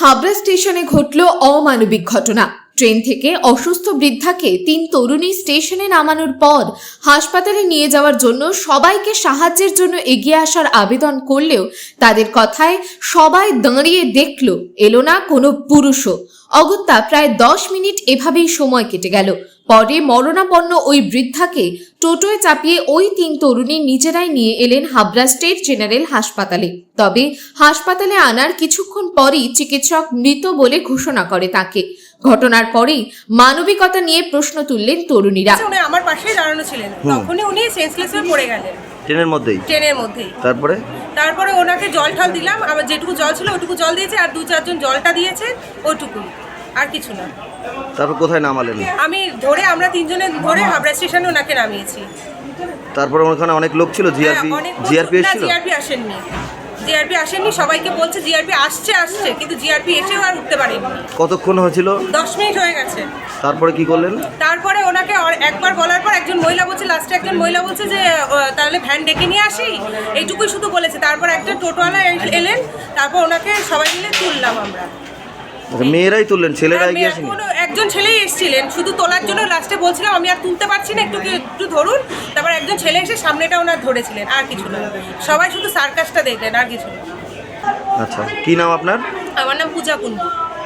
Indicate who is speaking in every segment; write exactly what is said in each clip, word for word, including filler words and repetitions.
Speaker 1: হাবড়া স্টেশনে ঘটল অমানবিক ঘটনা। ট্রেন থেকে অসুস্থ বৃদ্ধাকে তিন তরুণী স্টেশনে নামানোর পর হাসপাতালে নিয়ে যাওয়ার জন্য সবাইকে সাহায্যের জন্য এগিয়ে আসার আবেদন করলেও তাদের কথায় সবাই দাঁড়িয়ে দেখল, এলো না কোনো পুরুষও। অগত্যা প্রায় দশ মিনিট এভাবেই সময় কেটে গেল। পরে মরণাপন্ন ওই বৃদ্ধাকে টোটোয় চাপিয়ে ওই তিন তরুণী নিজেরাই নিয়ে এলেন হাবড়া স্টেট জেনারেল হাসপাতালে। তবে হাসপাতালে আনার কিছুক্ষণ পরই চিকিৎসক মৃত বলে ঘোষণা করে তাকে। ঘটনার পরেই মানবিকতা নিয়ে প্রশ্ন তুললেন তরুণীরা।
Speaker 2: উনি আমার পাশেই দাঁড়ানো ছিলেন, তখনই উনি সেন্সলেস হয়ে পড়ে গেলেন
Speaker 3: ট্রেনের মধ্যেই
Speaker 2: ট্রেনের মধ্যেই
Speaker 3: তারপরে
Speaker 2: তারপরে ওনাকে জল ঠাল দিলাম, আমার যেটুকু জল ছিল ওটুকু জল দিয়েছে, আর দু চারজন জলটা দিয়েছে, ওটুকুই, আর কিছু না।
Speaker 3: তারপর কোথায় নামালেন?
Speaker 2: আমি ধরে আমরা তিনজনে ধরে হাবড়া স্টেশনে ওনাকে নামিয়েছি।
Speaker 3: তারপরে ওখানে অনেক লোক ছিল, জিআরপি জিআরপি এসেছিল?
Speaker 2: জিআরপি আসেননি, জিআরপি আসেননি। সবাইকে বলছে জিআরপি আসছে আসছে, কিন্তু জিআরপি এসেও আর উঠতে পারেনি।
Speaker 3: কতক্ষণ হয়েছিল?
Speaker 2: দশ মিনিট হয়ে গেছে।
Speaker 3: তারপরে কি করলেন?
Speaker 2: তারপরে ওনাকে একবার বলার পর একজন মহিলা বলছে, লাস্টে একজন মহিলা বলছে যে তাহলে ভ্যান ডেকে নিয়ে আসি, এইটুকুই শুধু বলেছে। তারপর একটা টোটোওয়ালা এলেন, তারপর ওনাকে সবাই মিলে তুললাম আমরা।
Speaker 3: মেয়েরাই তুললেন, ছেলেরা এগিয়ে আসেনি?
Speaker 2: একজন ছেলেই এসেছিলেন শুধু তোলার জন্য। লাস্টে বলছিলাম আমি আর তুলতে পারছি না, একটু একটু ধরুন। তারপর একজন ছেলে এসে সামনেটা ওনার ধরেছিলেন, আর কিছু না। সবাই শুধু সার্কাসটা দেখলেন, আর কিছু না।
Speaker 3: আচ্ছা, কি নাম আপনার?
Speaker 2: আমার নাম পূজা কুন্ডু।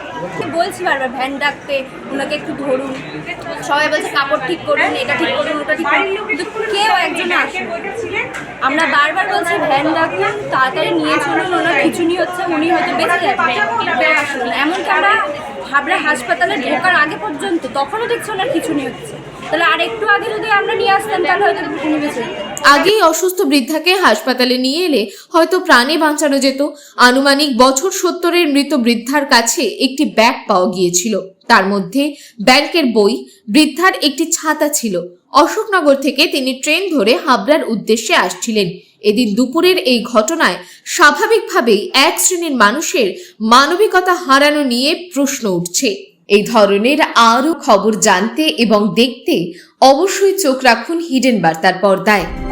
Speaker 4: বলছি বারবার ভ্যান ডাকতে, ওনাকে একটু ধরুন। সবাই বলছে কাপড় ঠিক করুন, এটা ঠিক করুন, ওটা ঠিক করুন, কিন্তু কেউ একজন আসে। আমরা বারবার বলছি ভ্যান ডাকুন, তাড়াতাড়ি নিয়ে চলুন, ওনার খিচুনি হচ্ছে, উনি হয়তো বেঁচে যাবেন। কেউ আসেনি। এমনকি আমরা হাবড়া হাসপাতালে ঢোকার আগে পর্যন্ত তখনও দেখছি ওনার খিচুনি হচ্ছে। তাহলে আর একটু আগে যদি আমরা নিয়ে আসতাম তাহলে হয়তো উনি বেঁচে যেতেন।
Speaker 1: আগেই অসুস্থ বৃদ্ধাকে হাসপাতালে নিয়ে এলে হয়তো প্রাণে বাঁচানো যেত। আনুমানিক বছর সত্তরের মৃত বৃদ্ধার কাছে একটি ব্যাগ পাওয়া গিয়েছিল। তার মধ্যে ব্যাংকের বই, বৃদ্ধার একটি ছাতা ছিল। অশোকনগর থেকে তিনি ট্রেন ধরে হাবড়ার উদ্দেশ্যে আসছিলেন। এদিন দুপুরের এই ঘটনায় স্বাভাবিকভাবেই এক শ্রেণীর মানুষের মানবিকতা হারানো নিয়ে প্রশ্ন উঠছে। এই ধরনের আরও খবর জানতে এবং দেখতে অবশ্যই চোখ রাখুন হিডেন বার্তার পর্দায়।